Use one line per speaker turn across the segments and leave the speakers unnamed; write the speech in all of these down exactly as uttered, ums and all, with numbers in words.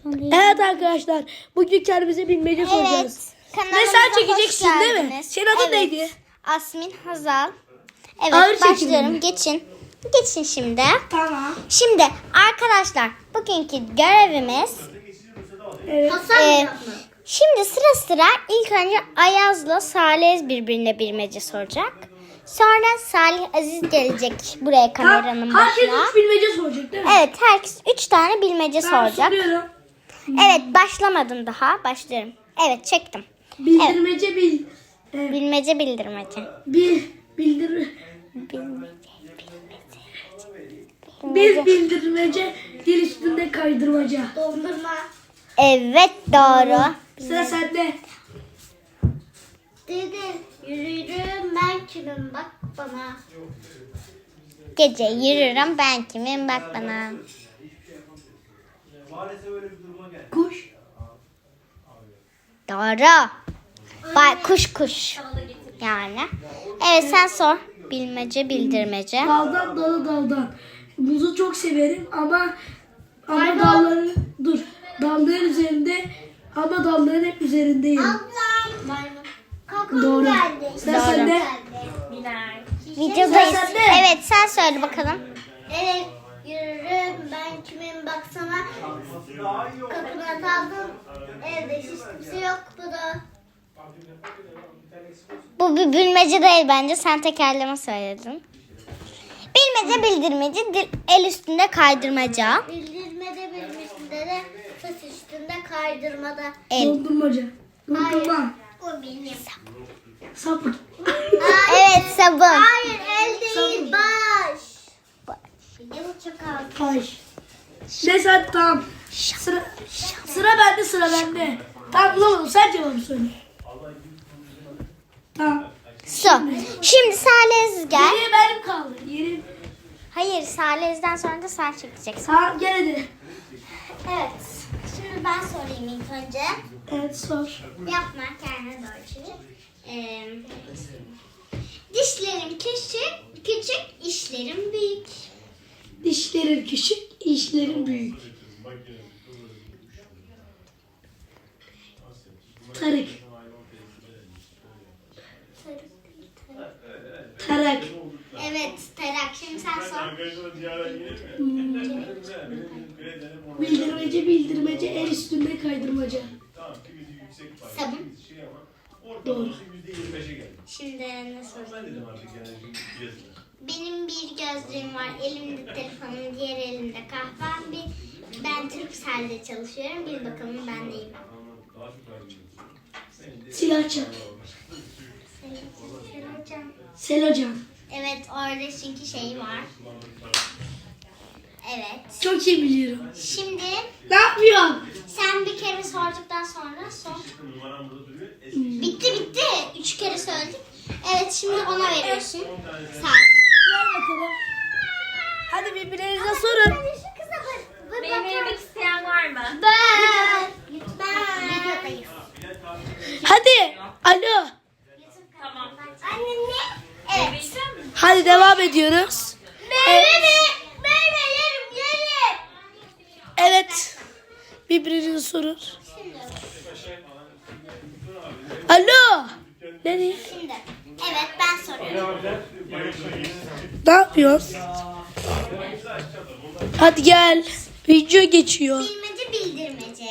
Evet arkadaşlar, bugün kendimize bilmece soracağız.
Kanalımıza
Ve sen
hoş
çekeceksin değil mi?
geldiniz.
Senin adın
Evet.
neydi?
Asmin Hazal. Evet,
Ağır çekimli
başlıyorum.
mi?
Geçin. Geçin şimdi.
Tamam.
Şimdi arkadaşlar bugünkü görevimiz
Evet.
e, şimdi sıra sıra ilk önce Ayaz'la Salih birbirine bilmece soracak. Sonra Salih Aziz gelecek buraya kameranın
Herkes
başına.
üç bilmece soracak değil mi?
Evet, herkes üç tane bilmece
Ben
soracak.
soruyorum.
Evet, başlamadım daha. Başlıyorum. Evet, çektim.
Bildirmece bil. e,
Bilmece bildirmece.
bil. Bildir.
Bilmece.
Bil bildirmece. Dil üstünde kaydırmaca.
Dondurma.
Evet, doğru.
Sıra sende.
Dede yürürüm ben kimim bak bana.
Gece yürürüm ben kimim bak bana.
Kuş.
Doğru. Bay kuş kuş. Yani. Evet, sen sor. Bilmece bildirmece.
Daldan dalı daldan. Muzu çok severim ama ama dalları dur. Dalların üzerinde ama dalların hep üzerindeyim.
Ablam. Maymun. Kakam
Doğru.
geldi.
Sıra sende.
Videodayız.
Sen de.
Evet, sen söyle bakalım.
Evet yürürüm ben kimim baksana. Kapına kaldım. Evde hiç kimse yok bu da.
Bu bir bilmece değil bence. Sen tekerleme söyledin. Bilmece bildirmece dil, el üstünde kaydırmaca.
Bildirmede bilmişinde de saç üstünde kaydırmada.
El.
Dondurmaca. Dondurma.
O benim.
Sapık.
Evet, sabun.
Hayır el değil baş. Bir de bu çakal.
Ay. Neyse hadi tamam. Sıra, sıra bende sıra bende. Tamam bulamadım, sen cevabı söyle. Tamam.
Su. Şimdi Salih gel.
Geriye benim kaldı. Yerim.
Hayır, Salih'den sonra da sen çekeceksin.
Tamam gel hadi.
Evet. Şimdi ben sorayım ilk önce.
Evet sor.
Yapma kendine doğru çevir. Ee, dişlerim küçük, küçük işlerim büyük.
Dişlerin küçük, işlerin büyük. Tarık. Tarak.
Evet Terak şimdi sen sor.
Bildirmece bildirmece el üstünde kaydırmaca.
Sabun.
Doğru.
Şimdi ne sorayım? Benim bir gözlüğüm var, elimde telefonum, diğer elimde kahvem. Bir, ben Turkcell'de çalışıyorum. Bir bakalım ben neyim.
Silahçı.
Hocam.
Selocan.
Evet orada çünkü şey var. Evet.
Çok iyi biliyorum.
Şimdi
Ne yapıyorsun?
sen bir kere sorduktan sonra sor. Bitti bitti. Üç kere söyledik. Evet şimdi ona veriyorsun. Sağ
Ver bakalım. Hadi birbirlerinize sorun.
Benim yemek isteyen var mı?
Ben. Ben. Videodayız.
Hadi. Alo.
Tamam.
Anne ne? Evet.
Hadi devam ediyoruz.
Meyve mi? Meyve yerim yerim.
Evet. Birbirinize sorun. Alo. Nereye?
Şimdi. Evet ben soruyorum.
Ne yapıyorsun? Hadi gel. Video geçiyor.
Bilmece bildirmece.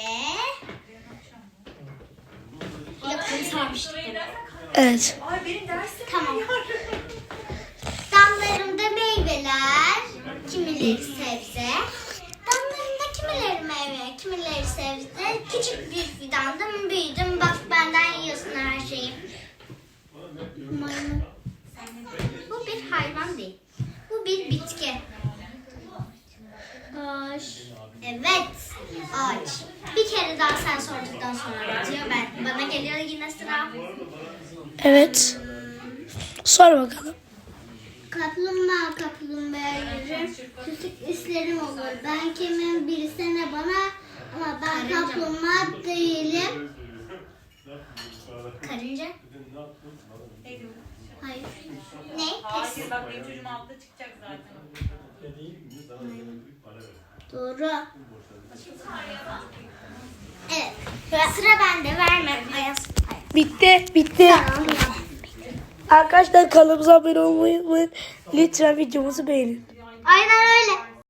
Yok bunu sormuştuk.
Evet.
Tamam. Damlarımda meyveler, kimileri sebze. Damlarımda kimileri meyve, kimileri sebze. Küçük bir fidandım, büyüdüm. Bak benden yiyorsun her şeyi. Maymun. Bu bir hayvan değil. Bu bir bitki. Ağaç. Evet. Ağaç. Bir kere daha sen sorduktan sonra bitiyor. Ben, bana geliyor yine sıra.
Evet. Sor bakalım.
Kaplumbağa kaplumbağa yürür, küçük işlerim olur. Ben kimim bilsene bana ama ben kaplumbağa değilim. Karınca? Hayır. Ne?
Hayır bak benim çocuğum altta çıkacak zaten.
Doğru. Sıra bende, verme. Ayaz.
Bitti. Bitti. Arkadaşlar kanalımıza abone olmayı unutmayın. Lütfen videomuzu beğenin.
Aynen öyle.